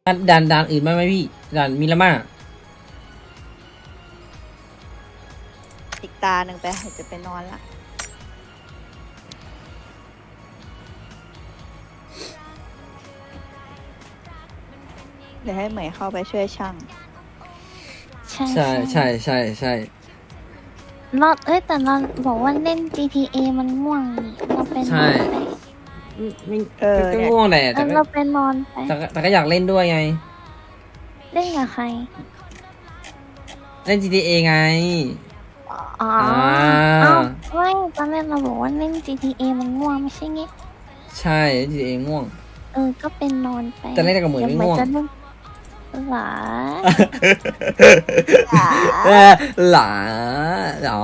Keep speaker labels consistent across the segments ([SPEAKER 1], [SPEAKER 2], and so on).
[SPEAKER 1] ด่านอื่นไหมพี่ด่านมิราม่า
[SPEAKER 2] อีกตาหนึ่งไปจะไปนอนละเดี๋ยวให้เหมยเข้าไปช่วยช่าง
[SPEAKER 1] ใช่
[SPEAKER 3] เราแต่เราบอกว่าเล่น GTA มันง่วงนี่เราไปนอนไป
[SPEAKER 1] ไม่ก็ง่วงแหละ
[SPEAKER 3] เราไปนอนไป
[SPEAKER 1] แต่ก็อยากเล่นด้วยไง
[SPEAKER 3] เล่นกับใคร
[SPEAKER 1] เล่น GTA ไง
[SPEAKER 3] อ๋อไม่ตอนแรกเราบอกว่าเล่น GTA มันง่วงไม่ใช่งี้
[SPEAKER 1] ใช่ GTA ง่วง
[SPEAKER 3] ก็เป็นนอนไป
[SPEAKER 1] แต่เล่นกับเหมือนไม่ง่วง
[SPEAKER 3] หลา
[SPEAKER 1] หลาอ๋อ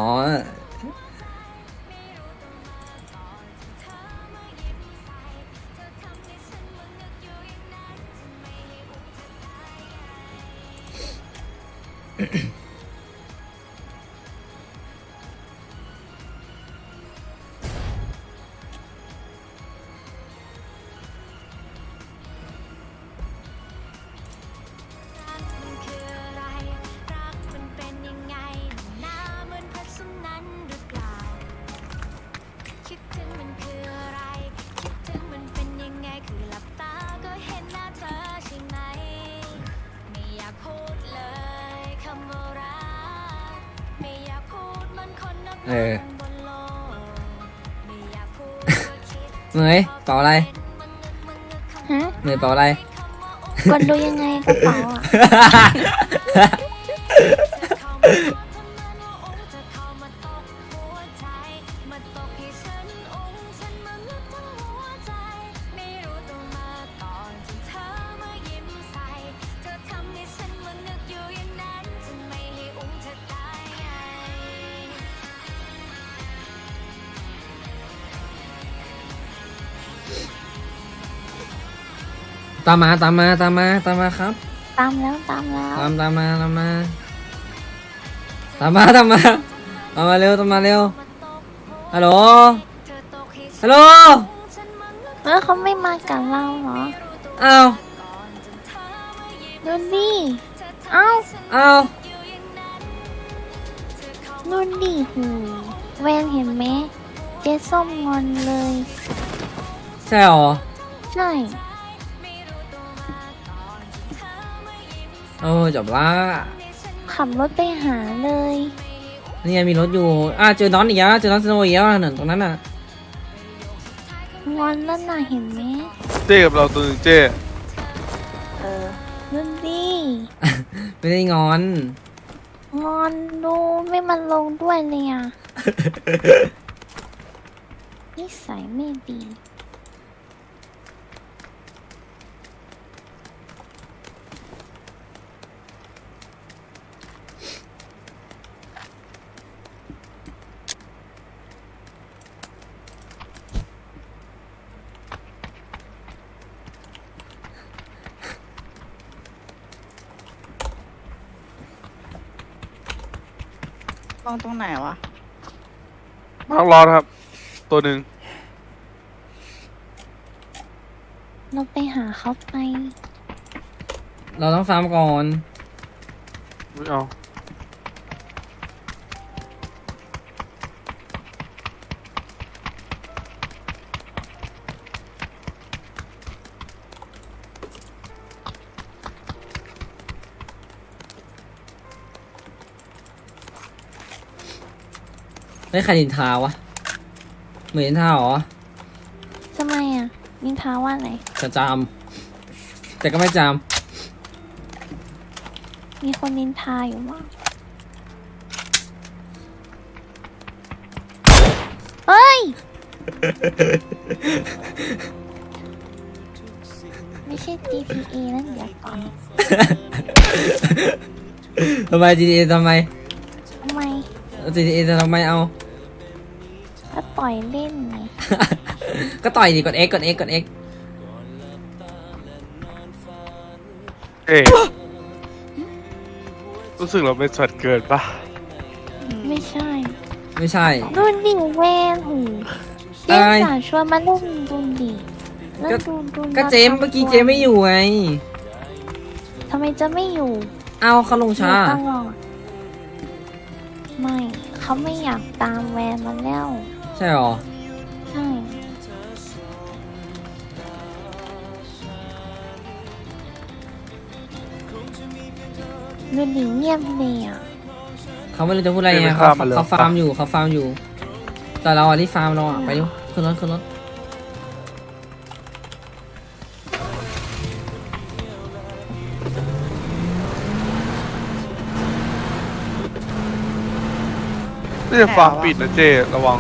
[SPEAKER 1] เหนื่อยเป่าอะไรเหนื่อยเป่าอะไร
[SPEAKER 3] กดดูยังไงกระเป๋า
[SPEAKER 1] ตามมาครับ
[SPEAKER 3] ตามมา
[SPEAKER 1] ตามมาตามมาเร็วฮัลโหล
[SPEAKER 3] เขาไม่มากับเราเหรอ
[SPEAKER 1] อ้าว
[SPEAKER 3] ดูดิอ้าวดูดิหูแวนเห็นไหมเจ๊ส้มงอนเลย
[SPEAKER 1] ใช่หรอ
[SPEAKER 3] ใช่
[SPEAKER 1] จบละ
[SPEAKER 3] ขับรถไปหาเลย
[SPEAKER 1] นี่ไงมีรถอยู่เจอน้องอีกแล้วเจอน้องสโนว์อีกแล้วหนึ่งตรงนั้นน่ะ
[SPEAKER 3] งอนแล้วน่ะเห็นไหม
[SPEAKER 4] เจ๊กับเราตัวนึงเจ๊
[SPEAKER 3] ดูดิ
[SPEAKER 1] ไม่ได้งอน
[SPEAKER 3] ดูไม่มันลงด้วยเลยอ่ะนิสัยไม่ดี
[SPEAKER 2] ลองตรงไหนวะ
[SPEAKER 4] มาร์คร้อนครับตัวหนึ่ง
[SPEAKER 3] เราไปหาเขาไป
[SPEAKER 1] เราต้องฟาร์มก่อน
[SPEAKER 4] ไม่เอา
[SPEAKER 1] ไม่ใครนินทาวะเหมือนนินทาหรอ
[SPEAKER 3] ทำไมอ่ะนินทาว่าอะไร
[SPEAKER 1] จะจามแต่ก็ไม่จาม
[SPEAKER 3] มีคนนินทาอยู่มั้งเฮ้ยไม่ใช่ GTA นั่นเดี๋ยวก่อน
[SPEAKER 1] ทำไม GTA ทำไม GTA จะทำไมเอา
[SPEAKER 3] ก็ต่อยเล่นไง
[SPEAKER 1] ก็ต่อยดิกด X
[SPEAKER 4] รู้สึกเราเป็นสัตว์เกินปะ
[SPEAKER 3] ไม่ใช่ดูดิแวนหูเจมสาชวนมาเล่นดูดิ
[SPEAKER 1] ก็เจมเมื่อกี้เจมไม่อยู่ไง
[SPEAKER 3] ทำไมจะไม่อยู่
[SPEAKER 1] เอาเขาลง
[SPEAKER 3] อ
[SPEAKER 1] ช้า
[SPEAKER 3] ยู่ตลอดไม่เขาไม่อยากตามแวนมาแล้ว
[SPEAKER 1] ใช่หรอ
[SPEAKER 3] ใช่ดูดิเงียบเลยอ่ะ
[SPEAKER 1] เขาไม่รู้จะพูดอะไรไง
[SPEAKER 4] ไม่
[SPEAKER 1] เขา
[SPEAKER 4] ข้ามมาเลย
[SPEAKER 1] เขาฟาร์มอยู่เขาฟาร์มอยู่ แต่เราอ่ะที่ฟาร์มเราอ่ะไปดูขึ้นรถขึ้นรถ
[SPEAKER 4] นี่จะฟาร์มปิดนะเจ้ระวัง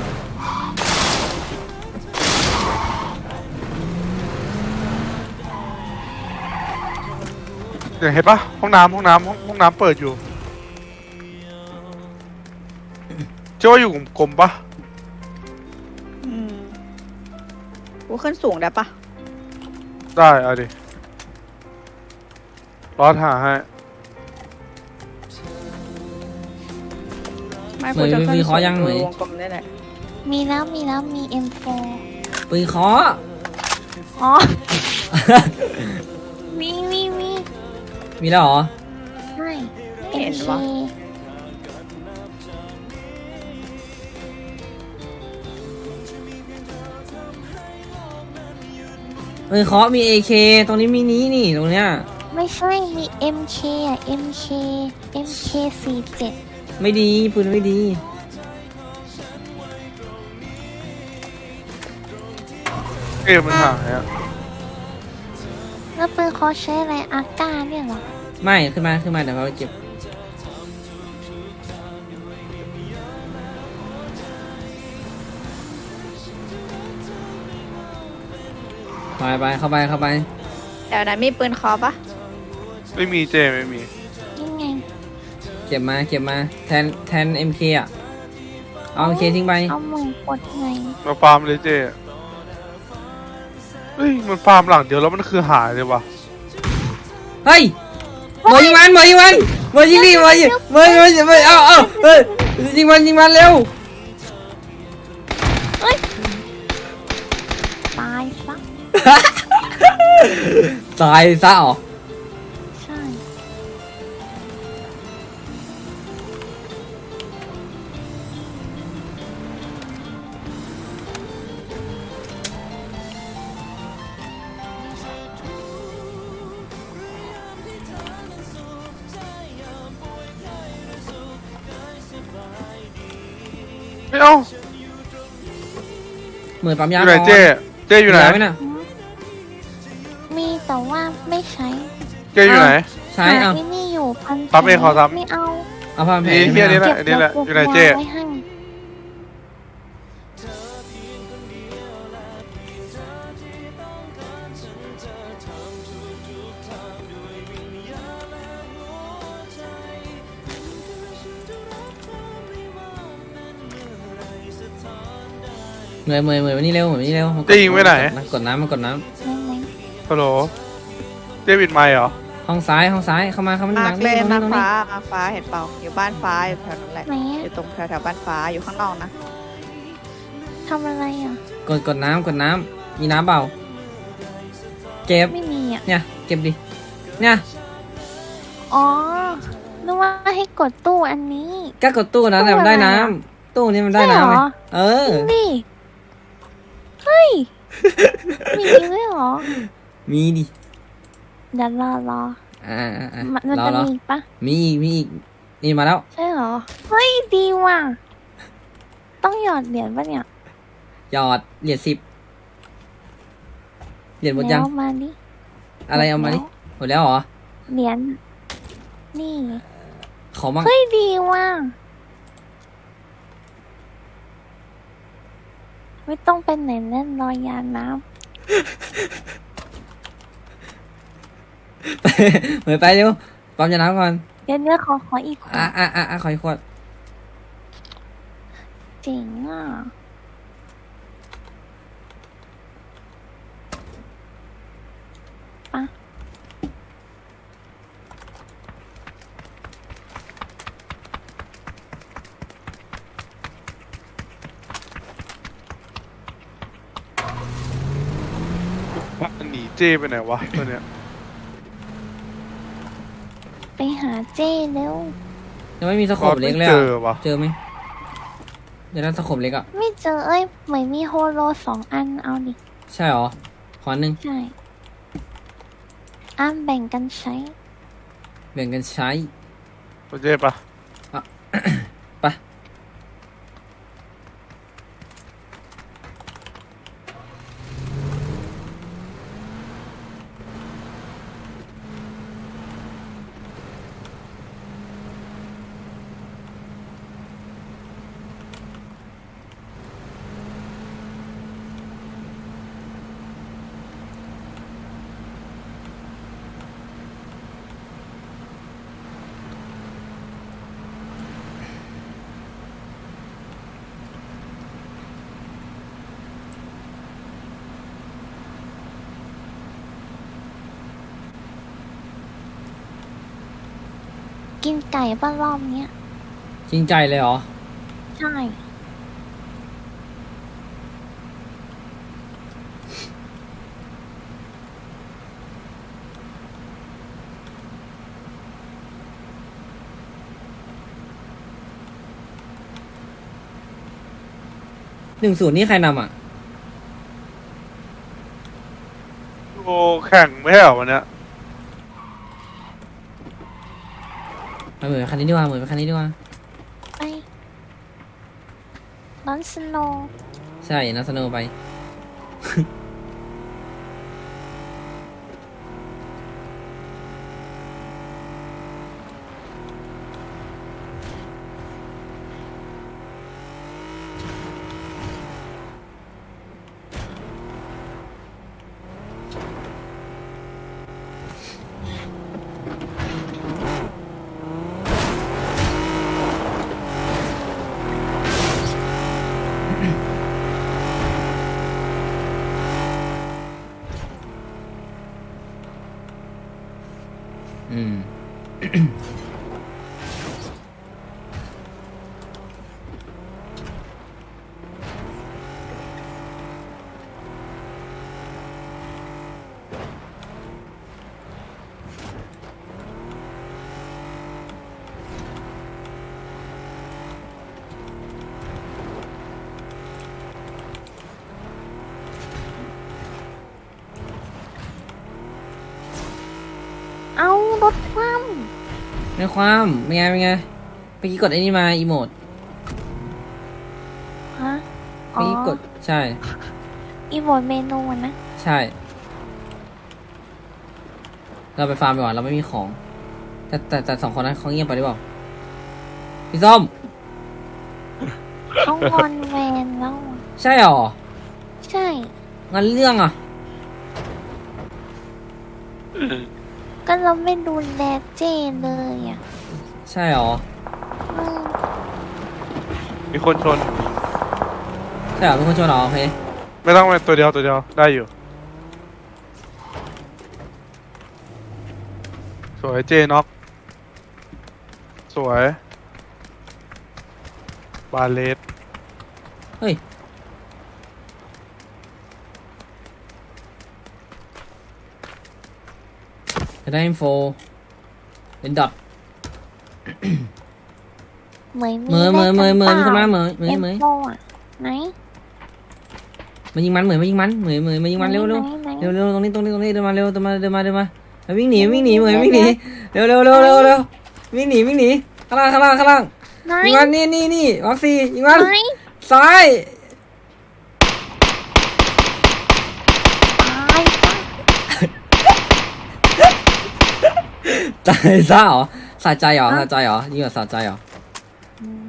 [SPEAKER 4] เนี่ยเห็นปะห้องน้ำห้องน้ำเปิดอยู่เจ้าว่าอยู่กลมๆปะ
[SPEAKER 2] อืมกูขึ้นสูงได้ปะ
[SPEAKER 4] ได้เอาดิรอหาให้
[SPEAKER 2] ไม่กูจะขึ้นสูงวงกลมได้แหละ
[SPEAKER 3] มีมี M4
[SPEAKER 1] ปืนเคาะ
[SPEAKER 3] อ๋อ มี
[SPEAKER 1] มีแล้วเหรอ
[SPEAKER 3] ใช่
[SPEAKER 2] ไม่เห็นวะ
[SPEAKER 1] ปืนเคาะมี AK ตรงนี้มีนี้นี่ตรงเนี้ย
[SPEAKER 3] ไม่ใช่มี MK อ่ะ MK47
[SPEAKER 1] ไม่ดีปืนไม่ดี
[SPEAKER 4] เกมมันหายอะ
[SPEAKER 3] แล้วปืนเขาใช้อะไรอาก้าเนี่ยเหรอ
[SPEAKER 1] ไม่ขึ้นมาเดี๋ยวเราไปเก็บไปเข้าไป
[SPEAKER 2] แถวนั้นมีปืนคอปะ
[SPEAKER 4] ไม่มีเจ้ไม่มี
[SPEAKER 3] ยังไง
[SPEAKER 1] เก็บมาแทน MK อ่ะเอา MK ทิ้งไป
[SPEAKER 3] เอามือกดไง
[SPEAKER 4] มาฟาร์มเลยเจ้เฮ้ยมันฟาร์มหลังเดียวแล้วมันคือหายเลยวะ
[SPEAKER 1] เฮ้ยหมอยิงมันหมอยิงดิหมอยิงเอาเฮ้ยยิงมันเร็ว
[SPEAKER 3] ตายซะ
[SPEAKER 1] ตายซะเหรอ
[SPEAKER 3] ใช่
[SPEAKER 4] ไม่เอา
[SPEAKER 1] เหมือนปั๊มา
[SPEAKER 4] อยยู่ไหน
[SPEAKER 1] ก่อน
[SPEAKER 4] เจ้อยู่ไหน
[SPEAKER 1] ไหมน่ะ
[SPEAKER 3] มีแต่ว่าไม่ใช้
[SPEAKER 4] เจ้อยู่ไหน
[SPEAKER 1] ใช้
[SPEAKER 3] หา
[SPEAKER 1] เอา
[SPEAKER 3] ที่นี่อยู่พัน
[SPEAKER 4] ปั๊มเองขอซ้ำ
[SPEAKER 3] ไม่เอา
[SPEAKER 1] เอาผ้าพันแผล
[SPEAKER 4] นี่เฮียนี่แหละ
[SPEAKER 3] เก็บ
[SPEAKER 4] นี่แหละ
[SPEAKER 3] แล้ว
[SPEAKER 4] อยู่ไหนเจ้
[SPEAKER 3] วางไว้ให้
[SPEAKER 1] เหมือนวันนี้เร็วมัน
[SPEAKER 4] เจ้ยิงไว้ไหน
[SPEAKER 1] กดน้ำ
[SPEAKER 3] ไม่
[SPEAKER 4] ฮัลโหลเจ้ปิดไมค์เหรอ
[SPEAKER 1] ห้องซ้ายเข้ามา
[SPEAKER 2] มา
[SPEAKER 1] หลั
[SPEAKER 2] ร์
[SPEAKER 1] ง
[SPEAKER 2] กเลย
[SPEAKER 1] ตรง
[SPEAKER 2] มา
[SPEAKER 1] นี้
[SPEAKER 2] ร์กฟ้าเห็นเปล่าอยู่บ้านฟ้าอยู่แถวนั้นแหละ
[SPEAKER 3] ไหน
[SPEAKER 2] อ
[SPEAKER 3] อะ
[SPEAKER 2] ยู่ตรงแถวบ้านฟ้าอยู่ข้างนอกนะ
[SPEAKER 3] ทำอะไรอ่ะ
[SPEAKER 1] กดน้ำมีน้ำเปล่าเก็บ
[SPEAKER 3] ไม่มีอ่ะ
[SPEAKER 1] เนี่ยเก็บดิเนี่ย
[SPEAKER 3] อ๋อนึกว่าให้กดตู้อันนี้
[SPEAKER 1] ก็กดตู้นั้นแหละมันได้น้ำตู้นี้มันได้น้ำ
[SPEAKER 3] ใช่
[SPEAKER 1] ไง
[SPEAKER 3] เหรอ
[SPEAKER 1] เออ
[SPEAKER 3] นี่เฮ้ย มีด้วยเหรอ
[SPEAKER 1] มีดิ
[SPEAKER 3] เดี๋ยวรอ มัน
[SPEAKER 1] รอ
[SPEAKER 3] จะ
[SPEAKER 1] รอ
[SPEAKER 3] มีอีกปะ
[SPEAKER 1] มีอีกนี่มาแล้ว
[SPEAKER 3] ใช่เหรอ เฮ้ย ดีว่ะ ต้องหยอดเหรียญปะเนี่ย
[SPEAKER 1] หยอดเหรียญ10เหรียญหมดยัง
[SPEAKER 3] แล้วมาดิ
[SPEAKER 1] อะไรเอามาดิหมดแล้วเหรอ
[SPEAKER 3] เหรียญนี่
[SPEAKER 1] ขอมั่ง
[SPEAKER 3] เฮ้ย ดีว่ะ ไม่ต้องเป็นไหนเล่นลอยยานน้
[SPEAKER 1] เหมือนไปเร็วปั๊มยาน้ำก่อน
[SPEAKER 3] ำเดี๋ยวขออีกขวด
[SPEAKER 1] ขออีกขวด
[SPEAKER 3] เจ๋งอ่ะ
[SPEAKER 4] หนีเจ้ไปไหนวะตัวเนี้ย
[SPEAKER 3] หาเจ้เร็ว
[SPEAKER 1] ยังไม่มีสโคปเล็กเลย
[SPEAKER 4] เจ
[SPEAKER 1] อะ
[SPEAKER 4] อวะ
[SPEAKER 1] เจอไหมเดี๋ยวนั้นสโคปเล็กอะ
[SPEAKER 3] ไม่เจอเหมือนมีโฮโล2 อันเอาดิ
[SPEAKER 1] ใช่หรอขอหนึ่ง
[SPEAKER 3] ใช่แบ่งกันใช้
[SPEAKER 1] แบ่งกันใช้
[SPEAKER 4] ตัวเจ๊ปะ
[SPEAKER 1] ไป
[SPEAKER 3] กินไก่ป้ารอบเนี้ย
[SPEAKER 1] จริงใจเลยเหรอ
[SPEAKER 3] ใช่
[SPEAKER 1] 1-0นี่ใครนำอ่ะ
[SPEAKER 4] โอ้แข่งไม่ใช่เหรอวันเนี้ย
[SPEAKER 1] เหมือนคันนี้ดีกว่าเหมือนคันนี้ดีกว่า
[SPEAKER 3] ไปน้อนสโนว์
[SPEAKER 1] ใช่นัสโนไป อืม
[SPEAKER 3] เอารถคว่
[SPEAKER 1] ในความเป็นไงเมื่อกี้กดไอ้นี่มาอีโมด
[SPEAKER 3] ำฮะ
[SPEAKER 1] เมื่อกี้กดใช่
[SPEAKER 3] อีโมดเมนูอะนะ
[SPEAKER 1] ใช่ เราไปฟาร์มไปก่อนเราไม่มีของ แต่2 คนนั้นเขาเงียบไปหรือเปล่าพี่ส้ม
[SPEAKER 3] เขางอนแวนแล้วอะ
[SPEAKER 1] ใช่หรอ
[SPEAKER 3] ใช่
[SPEAKER 1] งั้นเรื่องอ่ะ
[SPEAKER 3] ก็เราไม่ดูแลเจ้เลยอ่ะ
[SPEAKER 1] ใช่หรอ
[SPEAKER 3] อืม
[SPEAKER 4] มีคนชน
[SPEAKER 1] ใช่หรอเป็นคนชวนเหรอโอเค
[SPEAKER 4] ไม่ต้องเป็นตัวเดียวได้อยู่ สวยเจน็อกสวยบาเลส
[SPEAKER 1] เฮ้ยจะได้อินโฟเป็นดอท
[SPEAKER 3] เหมยมี
[SPEAKER 1] เหมยมีคนมาเหมย
[SPEAKER 3] เอ็มโฟอ่ะไหน
[SPEAKER 1] มายิงมันเหมยมายิงมันเหมยมายิงมันเร็ว
[SPEAKER 3] ไหน
[SPEAKER 1] ตรงนี้เดินมาเร็วเดินมาวิ่งหนีเหมยวิ่งหนีเร็ววิ่งหนีข้างล่าง
[SPEAKER 3] ไหน
[SPEAKER 1] ยิงมันนี่วัคซียิงมัน
[SPEAKER 3] ไหน
[SPEAKER 1] ซ้าย
[SPEAKER 3] ตายซะ
[SPEAKER 1] ตายซะเหรอสะใจเหรอยิงแบบสะใจเหรอ
[SPEAKER 3] อืม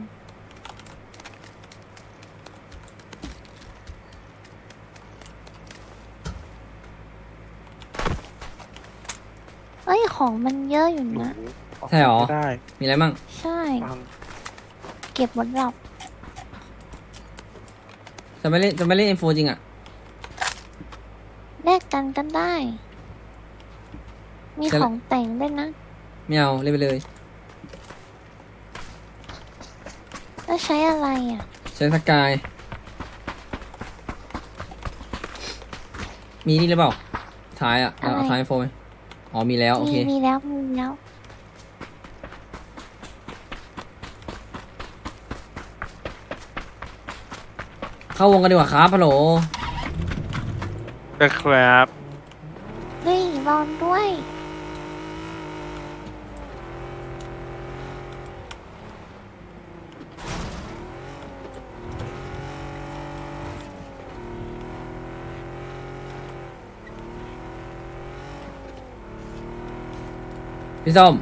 [SPEAKER 3] ของมันเยอะอยู่นะ
[SPEAKER 1] ใช่หรอ
[SPEAKER 4] ไม่ได้
[SPEAKER 1] มีอะไรมั่ง
[SPEAKER 3] ใช่
[SPEAKER 4] ฟัง
[SPEAKER 3] เก็บหมดหรอก
[SPEAKER 1] จะไม่เล่น M4 จริงอ่ะ
[SPEAKER 3] แลกกันก็ได้ มี
[SPEAKER 1] ใช่
[SPEAKER 3] ของแต่งด้วยนะ
[SPEAKER 1] ไม่เอาเล่นไปเลย
[SPEAKER 3] แล้วใช้อะไรอ่ะ
[SPEAKER 1] ใช้สกายมีนี่หรือเปล่าท้ายอ่ะเอาท้าย M4 ไหมอ๋อมีแล้วโอเค
[SPEAKER 3] มีแล้ว
[SPEAKER 1] เข้าวงกันดีกว่าครับฮัลโหล
[SPEAKER 4] นะครับ
[SPEAKER 3] เฮ้ยรอนด้วย
[SPEAKER 1] พี่ส้ม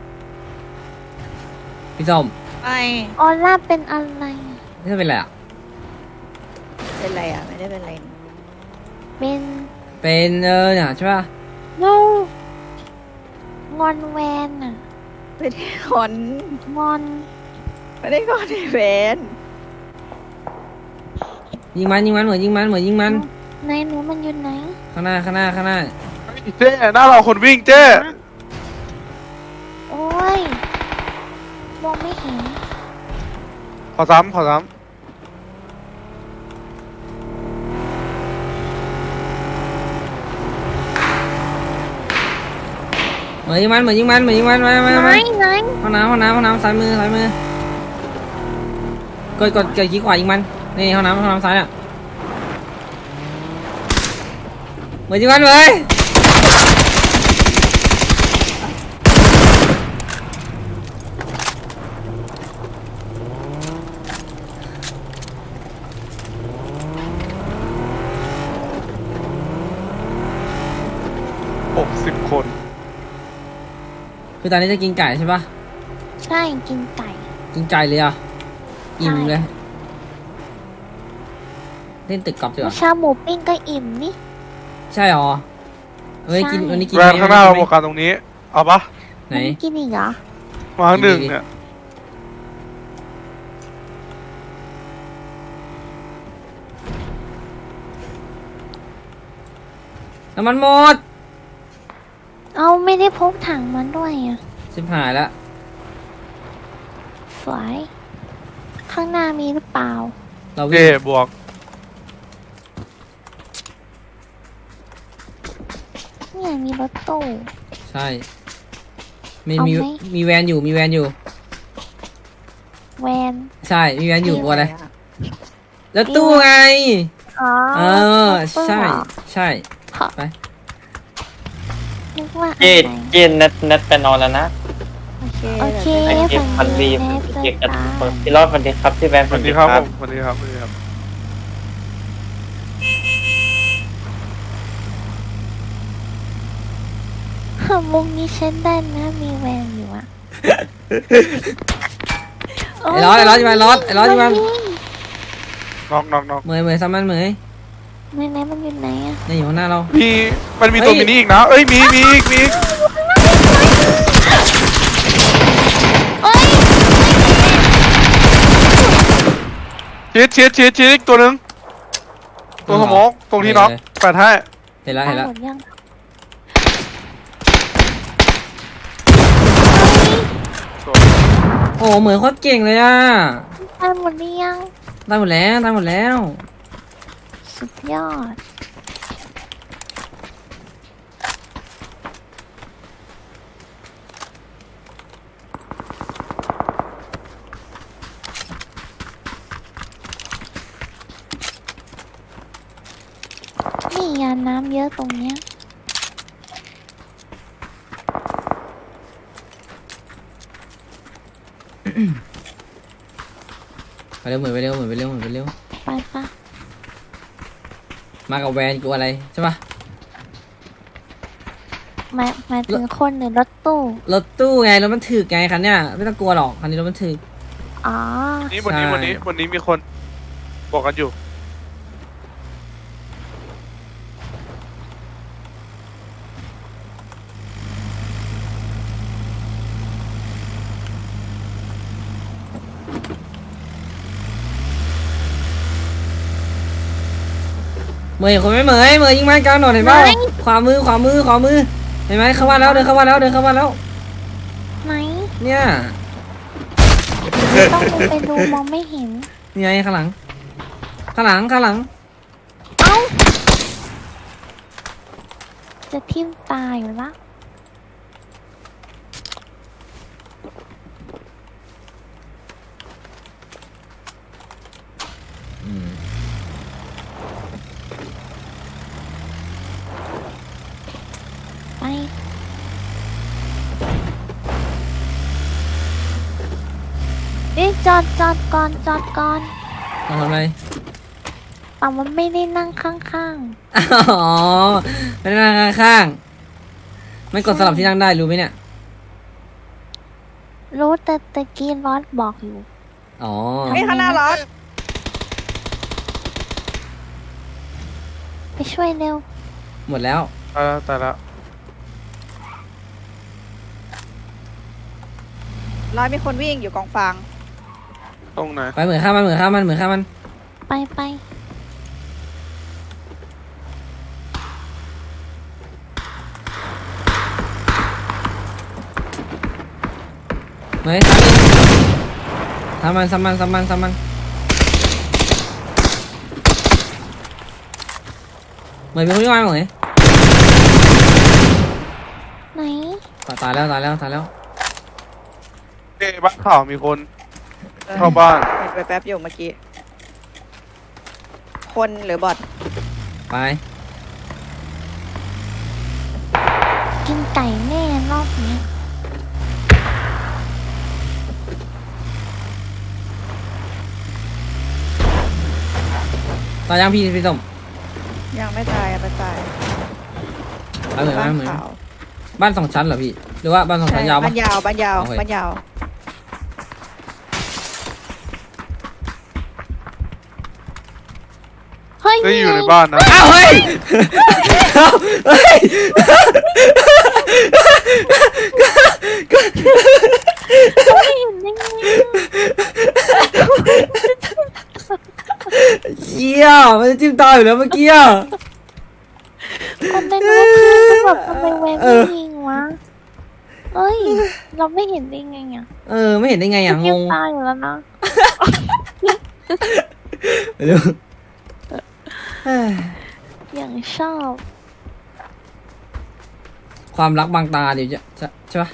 [SPEAKER 1] พี่ส้ม
[SPEAKER 2] ไป
[SPEAKER 3] ออร่าเป็นอะไร
[SPEAKER 1] นี่เป็นอะไรอ่ะ
[SPEAKER 2] เป็นไรอ่ะไม่ได้เป็นไร
[SPEAKER 3] เป็น
[SPEAKER 1] เป็นเนี่ยใช่ป่ะ
[SPEAKER 3] นูงอนแวนอะ
[SPEAKER 2] ไม่ได้คอน
[SPEAKER 3] งอน
[SPEAKER 2] ไม่ได้คอนในแฟน
[SPEAKER 1] ยิงมันเหมือนยิงมัน
[SPEAKER 3] ไหนหนูมันอยู่ไหน
[SPEAKER 1] ข้างหน้า
[SPEAKER 4] เจ๊หน้าเราคนวิ่งเจ๊
[SPEAKER 3] โอ้ยมองไม่เห็น
[SPEAKER 4] ขอซ้ำ
[SPEAKER 1] เหมือนยิงมันมา
[SPEAKER 3] ไหนไหน
[SPEAKER 1] ห้องน้ำซ้ายมือกดขี้ขวายิงมันนี่ห้องน้ำซ้ายอ่ะเหมือนยิงมันเลย
[SPEAKER 4] 60 คน
[SPEAKER 1] คือตอนนี้จะกินไก่ใช่ปะ
[SPEAKER 3] ใช่กินไก่
[SPEAKER 1] กินไก่เลยอ่ะอิ่มเลยเล่นตึกกอล์ฟดีกว่า
[SPEAKER 3] ชาหมูปิ้งก็อิ่มนี่
[SPEAKER 1] ใช่หรอวันนี้กิน
[SPEAKER 3] ใช่
[SPEAKER 1] วันนี้กิน
[SPEAKER 4] แวนข้างหน้าเราบวกกันตรงนี้ เอาปะ
[SPEAKER 1] ไหน
[SPEAKER 3] มันกินอีกเหรอ
[SPEAKER 4] มาหนึ่งเนี่ย
[SPEAKER 1] น้ำมันหมด
[SPEAKER 3] เอาไม่ได้พกถังมันด้วยอ่ะ
[SPEAKER 1] ชิบหายแล้ว
[SPEAKER 3] สวยข้างหน้ามีหรือเปล่า
[SPEAKER 1] เรา
[SPEAKER 4] เจ๊
[SPEAKER 1] วิ่ง
[SPEAKER 4] บวก
[SPEAKER 3] เนี่ยมีรถตู้
[SPEAKER 1] ใช่มี
[SPEAKER 3] เอา
[SPEAKER 1] มี
[SPEAKER 3] ไหม
[SPEAKER 1] มีแวนอยู่
[SPEAKER 3] แวน
[SPEAKER 1] ใช่มีแวนอยู่กลัวอะไร
[SPEAKER 2] อะ
[SPEAKER 1] แล้วตู้ไง
[SPEAKER 3] อ๋อ
[SPEAKER 1] เออ
[SPEAKER 3] รถตู้
[SPEAKER 1] ใช่
[SPEAKER 3] เหรอ
[SPEAKER 1] ใช่
[SPEAKER 3] ขอ
[SPEAKER 1] ไป
[SPEAKER 3] นึกว่าอะ
[SPEAKER 5] เย็น
[SPEAKER 3] ไร
[SPEAKER 5] เย็นนัดไปนอนแล้วนะ
[SPEAKER 2] โอเค
[SPEAKER 3] โอเค
[SPEAKER 5] ไอเก็บฟันรีบเก็บกันพี่รอดวันดีครับพี่แวน
[SPEAKER 4] สวัสดีครับผมสวัสดีครับ
[SPEAKER 3] มุมนี้เช่นได้นะมีแวนอยู่อะ
[SPEAKER 1] ไอ้ร้อนใช่ไหมร้อนใช่ไหม
[SPEAKER 4] น็อก
[SPEAKER 1] เหมยซ้ำมันเหมย
[SPEAKER 3] ไหนมันอยู่ไหนอะ
[SPEAKER 1] นี่อยู่ข้างหน้าเรา
[SPEAKER 4] มันมีตัวมินิอีกนะ เอ้ย มีอีก
[SPEAKER 3] โอ้ย
[SPEAKER 4] ชีดตัวหนึ่งตัวสมองตรงที่น็อกแปดให้
[SPEAKER 1] เห็นแล้ว
[SPEAKER 3] ตายหมดยัง
[SPEAKER 1] โอ้เหมยโคตรเก่งเลยอ่ะ
[SPEAKER 3] ตายหมดหรือยัง
[SPEAKER 1] ตายหมดแล้ว
[SPEAKER 3] สุดยอดนี่ยาน้ำเยอะตรงเนี้ย
[SPEAKER 1] ไปเร็วเหมยไปเร็ว
[SPEAKER 3] ไปปะ
[SPEAKER 1] มากับแวนกูอะไรใช่ปะ
[SPEAKER 3] หมายถึงคนหรือรถตู้
[SPEAKER 1] รถตู้ไงรถมันถึกไงคันเนี้ยไม่ต้องกลัวหรอกคันนี้รถมันถึก
[SPEAKER 3] อ๋อ
[SPEAKER 4] นี่บนนี้มีคนบอกกันอยู่
[SPEAKER 1] เหมยคนไม่เหมยยิงมันกลางถนนเห็นเปล่าขวามือเห็นไหมเข้ามาแล้วเดินเข้ามาแล้ว
[SPEAKER 3] ไหน
[SPEAKER 1] เนี่ย
[SPEAKER 3] ต้องลงไปดูมองไม่เห็น
[SPEAKER 1] นี่ไงข้างหลัง
[SPEAKER 3] เอ้า จะทิ่มตาอยู่ละ
[SPEAKER 1] อืม
[SPEAKER 3] จอดก่อน
[SPEAKER 1] ทำอะไร
[SPEAKER 3] แต่มันไม่ได้นั่งข้าง
[SPEAKER 1] อ๋อไม่ได้นั่งข้างๆไม่กดสลับที่นั่งได้รู้ไหมเนี่ย
[SPEAKER 3] ๆรู้แต่ตะกี้รอดบอกอยู่
[SPEAKER 1] อ๋อ
[SPEAKER 2] ไม่ข้างหน้ารถ
[SPEAKER 3] ไปช่วยเร็ว
[SPEAKER 1] หมดแล้ว
[SPEAKER 4] ตายแล้ว
[SPEAKER 2] ร้อยมีคนวิ่งอยู่กองฟาง
[SPEAKER 4] ตรงไหน
[SPEAKER 1] ไปเหมือนข้ามมันเหมือนข้ามมัน
[SPEAKER 3] ไป
[SPEAKER 1] เหมยซ้ำมันเหมยเป็นคนที่มาเหมย
[SPEAKER 3] ไหน
[SPEAKER 1] ตายแล้ว
[SPEAKER 4] เอ้บ้านข่าวมีคนเข้าบ้าน
[SPEAKER 2] เห็นไปแป๊บอยู่เมื่อกี้ คนหรือบอท
[SPEAKER 1] ไป
[SPEAKER 3] กินไก่แน่รอบนี้
[SPEAKER 1] ตายยังพี่ส้ม
[SPEAKER 2] ยังไม่ตายไปตาย
[SPEAKER 1] ไปเหมือน
[SPEAKER 2] บ้าน
[SPEAKER 1] เหมือน
[SPEAKER 2] ขาว
[SPEAKER 1] บ้าน2 ชั้นเหรอพี่หรือว่าบ้าน2 ชั้นยาวปะ
[SPEAKER 2] บ้านยาว
[SPEAKER 1] โอเค
[SPEAKER 2] บ้านยาว
[SPEAKER 3] เฮ้ย
[SPEAKER 4] ได้อยู่ในบ้านนะ
[SPEAKER 1] อ้าวเฮ้ยเฮ้ย
[SPEAKER 3] ไม่เห็นได้ไง
[SPEAKER 1] เหี้ยมันจะจิ้มตาอยู่แล้วเมื่อกี้อ่ะ
[SPEAKER 3] คนในรถคือแบบทำไมแวะไม่ยิงวะเอ้ย เราไม่เห็นได้ไงอ่ะ
[SPEAKER 1] ไม่เห็นได้ไงอ่ะง
[SPEAKER 3] ยิ้ม
[SPEAKER 1] ง
[SPEAKER 3] ตาอยู่แล้วนะ
[SPEAKER 1] ไปดู
[SPEAKER 3] อย่างชอบ
[SPEAKER 1] ความรักบางตาเดี๋ยวจะใช่ปะ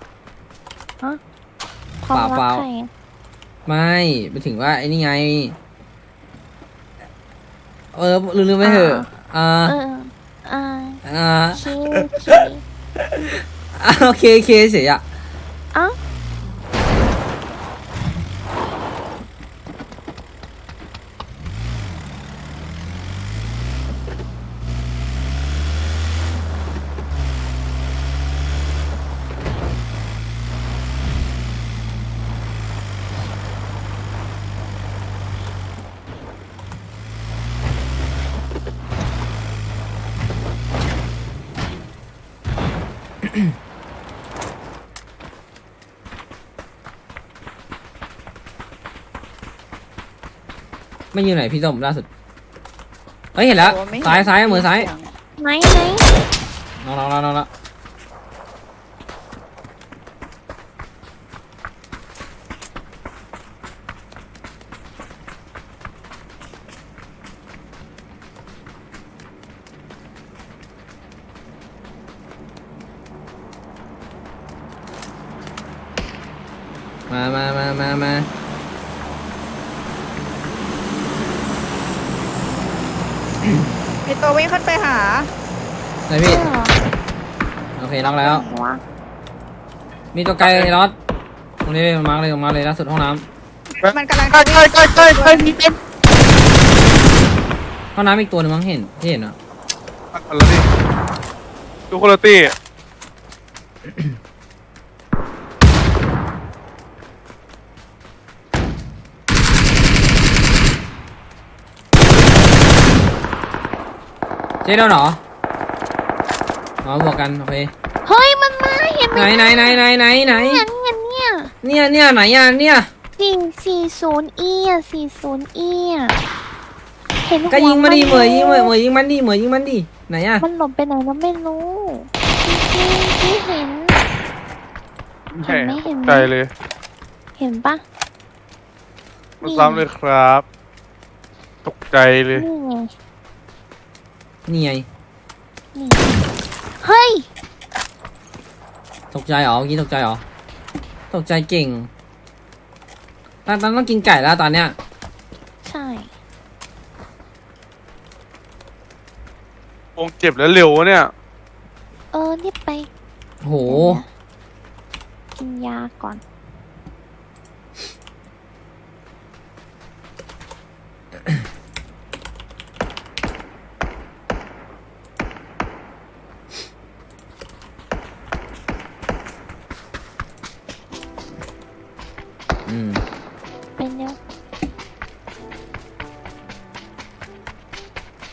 [SPEAKER 3] ความรัก
[SPEAKER 1] เปล่า
[SPEAKER 3] ใครอะ
[SPEAKER 1] ไม่ไปถึงว่าไอ้นี่ไงลืมไปเถอะ
[SPEAKER 3] เออ
[SPEAKER 1] โอเคเสียอ่ะ
[SPEAKER 3] เอ้า
[SPEAKER 1] ไม่อยู่ไหนพี่ส้มล่าสุดเฮ้ยเห็นแล้ว
[SPEAKER 2] โอ้ไม่เห็น
[SPEAKER 1] ซ้ายมือซ้าย
[SPEAKER 3] ไหน
[SPEAKER 1] น้องละมา
[SPEAKER 2] มีตัววิ่งขึ้นไปหา
[SPEAKER 1] ไหนพี่
[SPEAKER 3] เออ
[SPEAKER 1] โอเคล็อกแล้ว
[SPEAKER 3] วะ
[SPEAKER 1] มีตัวไกลรถตรงนี้มาร์กเลยล่าสุดห้องน้
[SPEAKER 2] มันกำลัง
[SPEAKER 4] ใกล้มีเต็ม
[SPEAKER 1] ำห้องน้ำอีกตัวหนึงมั้งเห็นที่เห็นอ่ะ
[SPEAKER 4] อะไรนี่ดูคุณภาพ
[SPEAKER 1] เจ๊โดนเหรอ อ๋อบวกกันโอเค
[SPEAKER 3] เฮ้ยมันมาเห็นไหม
[SPEAKER 1] ไหน
[SPEAKER 3] เนี่ย
[SPEAKER 1] ไหน
[SPEAKER 3] เนี่ย
[SPEAKER 1] ไหนอ่ะเนี่ย
[SPEAKER 3] 440E อ่ะ 40E อ่ะเห็นหัว
[SPEAKER 1] ก็ยิงมาดิ
[SPEAKER 3] น
[SPEAKER 1] เหมยยิงมันดิไหนอ่ะ
[SPEAKER 3] มันหลบไปไหนเราไม่รู้จริงๆที่เห็น
[SPEAKER 4] แหม
[SPEAKER 3] เห็นไหม
[SPEAKER 4] ใจเลย
[SPEAKER 3] เห็นปะ
[SPEAKER 4] มาซ้ำเลยครับ ตกใจเลย
[SPEAKER 3] นี่ไง
[SPEAKER 1] นี่ไง
[SPEAKER 3] นี่เฮ้ย
[SPEAKER 1] ตกใจเหรอเมื่อกี้ตกใจเหรอตกใจเก่งตอนต้องกินไก่แล้วตอนเนี้ย
[SPEAKER 3] ใช่
[SPEAKER 4] วงเจ็บแล้วเร็ววะเนี่ย
[SPEAKER 3] รีบไป
[SPEAKER 1] โห
[SPEAKER 3] กินยาก่อน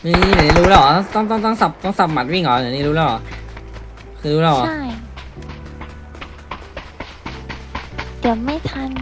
[SPEAKER 1] นี่ไหนรู้แล้วเหรอต้องสับหมัดวิ่งเหรอไหนนี่รู้แล้วเหรอคือรู้แล้วเหรอ
[SPEAKER 3] ใช่ เดี๋ยวไม่ทัน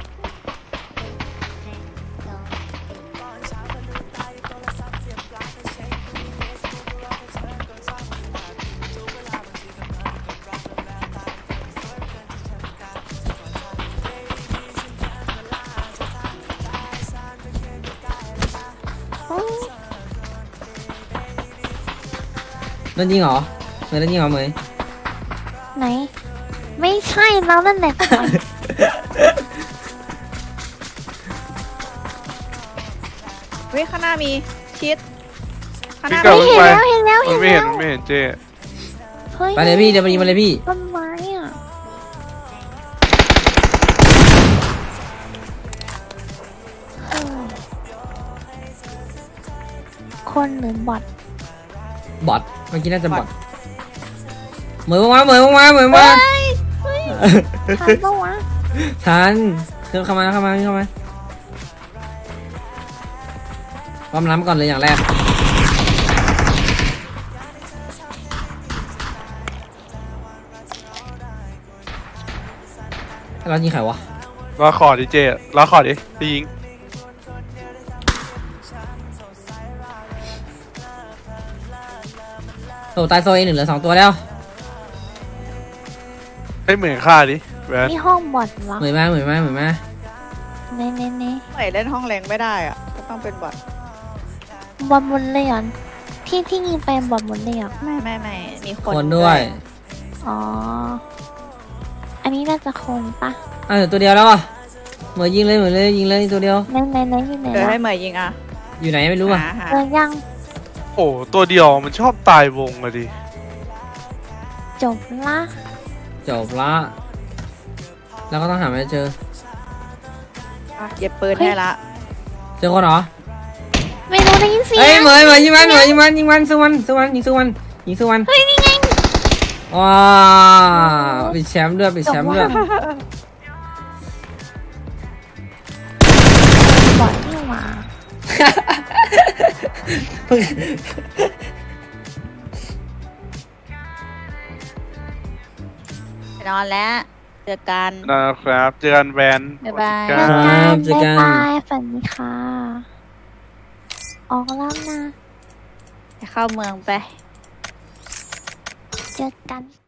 [SPEAKER 1] โดนยิงเหรอเหมยโดนยิงเหรอเหมย
[SPEAKER 3] ไหน ไม่ใช่เรานั่นแหละก่อน
[SPEAKER 2] เฮ้ยข้างหน้ามีชิดข้างห
[SPEAKER 4] พี่
[SPEAKER 2] น้า
[SPEAKER 4] เก่า
[SPEAKER 2] มี
[SPEAKER 4] วิ่งไป
[SPEAKER 3] เห็นแล้ว
[SPEAKER 4] มันไม่เห็นมันไม่เห็นเจ๊
[SPEAKER 3] เฮ้ย
[SPEAKER 1] ไปเลยพี่เดี๋ยวไปยิงมาเลยพี่
[SPEAKER 3] ต้นไม้อ่ะเฮ้ยคนหรือบอท
[SPEAKER 1] บอทเมื่อกี้น่าจะบอทเหมยมาเหมยมาเหมยมา
[SPEAKER 3] เฮ้ยทันปะวะ
[SPEAKER 1] ทันเข้ามาความล้ำก่อนเลยอย่างแรกเรายิงใครวะ
[SPEAKER 4] รอขอดิเจ๊รอขอดิพี่ยิง
[SPEAKER 1] โตตายโซเอหนึ่งเหลือ2 ตัวแล้ว
[SPEAKER 4] ให้เหมือนฆ่าดิแหวน
[SPEAKER 3] นี่ห้องบอทเหรอ
[SPEAKER 1] เหมยมา
[SPEAKER 3] เน่
[SPEAKER 2] เหมือนเล่นห้องแรงไม่ได้อ่ะก็ต้องเป็นบอท
[SPEAKER 3] บอทหมดเลยเหรอที่ยิงไปบอทหมดเลยเหรอ
[SPEAKER 2] ไม่มีคน
[SPEAKER 1] คนด้วย
[SPEAKER 3] อ๋อ อันนี้น่าจะคนปะ
[SPEAKER 1] เหลือตัวเดียวแล้วอ่ะเหมยยิงเลยยิงเลยตัวเดียว
[SPEAKER 3] ไหนอยู่ไหน
[SPEAKER 2] เดี๋ยว
[SPEAKER 3] ล่ะ
[SPEAKER 2] ให้เหมยยิงอ่ะ
[SPEAKER 1] อยู่ไหนไม่รู้อ่ะ
[SPEAKER 2] หา
[SPEAKER 3] เจอยัง
[SPEAKER 4] โอ้ตัวเดียวมันชอบตายวงอะดิ
[SPEAKER 3] จบละ
[SPEAKER 1] จบละแล้วก็ต้องหาไม่เจอ
[SPEAKER 2] อ่ะเก็บปืนให้ละ
[SPEAKER 1] เจอคนเหรอ
[SPEAKER 3] ไม่รู้ได้ยินเสียง
[SPEAKER 1] เฮ้ยเหมยยิงมันสู้มันยิงสู้มัน
[SPEAKER 3] เฮ้ยนี่ไง
[SPEAKER 1] ว้าวปิดแชมป์ด้วย
[SPEAKER 3] บอทนี่หว่า
[SPEAKER 2] ไปนอนแล้วเจอกัน
[SPEAKER 4] นะครับเจอกันแวน
[SPEAKER 2] บ๊ายบาย
[SPEAKER 4] ค
[SPEAKER 1] ครั
[SPEAKER 4] รับ
[SPEAKER 1] เจอกัน
[SPEAKER 3] บ๊ายบายฝันดีค่ะ ออกแล้วนะ
[SPEAKER 2] ไปเข้าเมืองไป
[SPEAKER 3] เจอกัน